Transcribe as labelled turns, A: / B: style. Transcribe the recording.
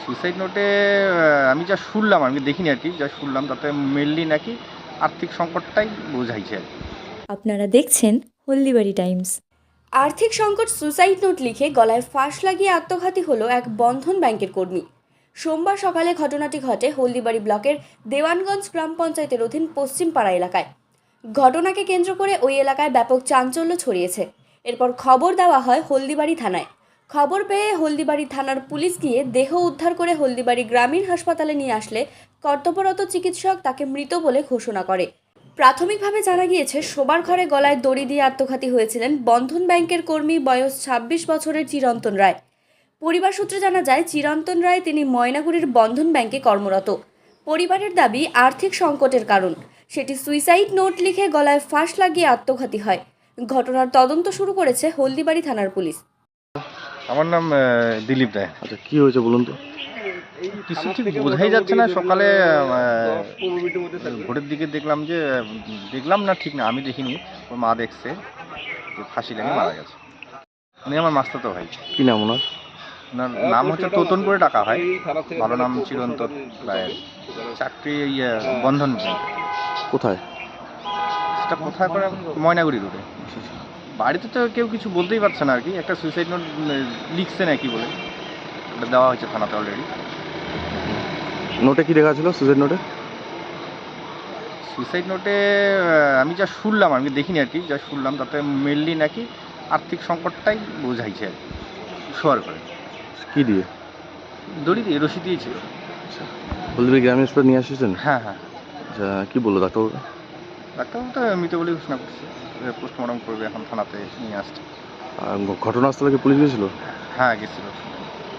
A: Suicide নোটে আমি যা শুনলাম, আমি দেখিনি আর কি, যা শুনলাম তাতে মেনলি নাকি আর্থিক সংকটটাই বোঝাইছে আর কি।
B: আপনারা দেখছেন হলদিবাড়ি টাইমস।
C: আর্থিক সংকট সুসাইড নোট লিখে গলায় ফাঁস লাগিয়ে আত্মঘাতী হলো এক বন্ধন ব্যাংকের কর্মী। সোমবার সকালে ঘটনাটি ঘটে হলদিবাড়ি ব্লকের দেওয়ানগঞ্জ গ্রাম পঞ্চায়েতের অধীন পশ্চিমপাড়া এলাকায়। ঘটনাকে কেন্দ্র করে ওই এলাকায় ব্যাপক চাঞ্চল্য ছড়িয়েছে। এরপর খবর দেওয়া হয় হলদিবাড়ি থানায়। খবর পেয়ে হলদিবাড়ি থানার পুলিশ গিয়ে দেহ উদ্ধার করে হলদিবাড়ি গ্রামীণ হাসপাতালে নিয়ে আসলে কর্তব্যরত চিকিৎসক তাকে মৃত বলে ঘোষণা করে। প্রাথমিকভাবে জানা গিয়েছে শোবার ঘরে গলায় দড়ি দিয়ে আত্মঘাতী হয়েছিলেন বন্ধন ব্যাংকের কর্মী বয়স ২৬ বছরের চিরন্তন রায়। পরিবার সূত্রে জানা যায় চিরন্তন রায় তিনি ময়নাগুড়ির বন্ধন ব্যাংকে কর্মরত। পরিবারের দাবি আর্থিক সংকটের কারণ সেটি সুইসাইড নোট লিখে গলায় ফাঁস লাগিয়ে আত্মঘাতী হয়। ঘটনার তদন্ত শুরু করেছে হলদিবাড়ি থানার পুলিশ।
A: আমার নাম দিলীপ রায়।
D: আচ্ছা, কি হয়েছে বলুন তো?
A: কিছু ঠিক বোঝাই যাচ্ছে না। সকালে ভোরের দিকে দেখলাম না, ঠিক না, আমি দেখিনি, ওর মা দেখছে যে ফাঁসি লাগিয়ে মারা গেছে। উনি আমার মাস্তাতো ভাই।
D: কি নাম ওনার?
A: ওনার নাম হচ্ছে তোতন করে ডাকা হয়, ভালো নাম চিরন্তন রায়ের। চাকরি বন্ধন ব্যাংকে।
D: কোথায়?
A: সেটা কোথায় করে? ময়নাগুড়ি রোডে। বাড়িতে তো কেউ কিছু বলতেই পারছে না আর কি। একটা সুইসাইড নোট লিখছে নাকি বলে ওটা দেওয়া হয়েছে থানাতে অলরেডি।
D: নোটে কি লেখা ছিল সুইসাইড নোটে?
A: সুইসাইড নোটে আমি যা শুনলাম, আমি দেখিনি আর কি, যা শুনলাম তাতে মেনলি নাকি আর্থিক সংকটটাই বোঝাইছে আর কি। শোয়ার করে
D: কি দিয়ে?
A: দড়ি দিয়ে, রশি দিয়েছিল।
D: আচ্ছা, হলদিবাড়ি গ্রামীণ হাসপাতালে নিয়ে আসছেন?
A: হ্যাঁ হ্যাঁ।
D: আচ্ছা, কি বললো ডাক্তারবাবু?
A: ডাক্তারবাবু তো মৃত বলে ঘোষণা করছে, পোস্টমর্টম করবে, এখন থানাতে নিয়ে আসছে।
D: আর ঘটনাস্থলে কি পুলিশ গিয়েছিল?
A: হ্যাঁ গেছিল।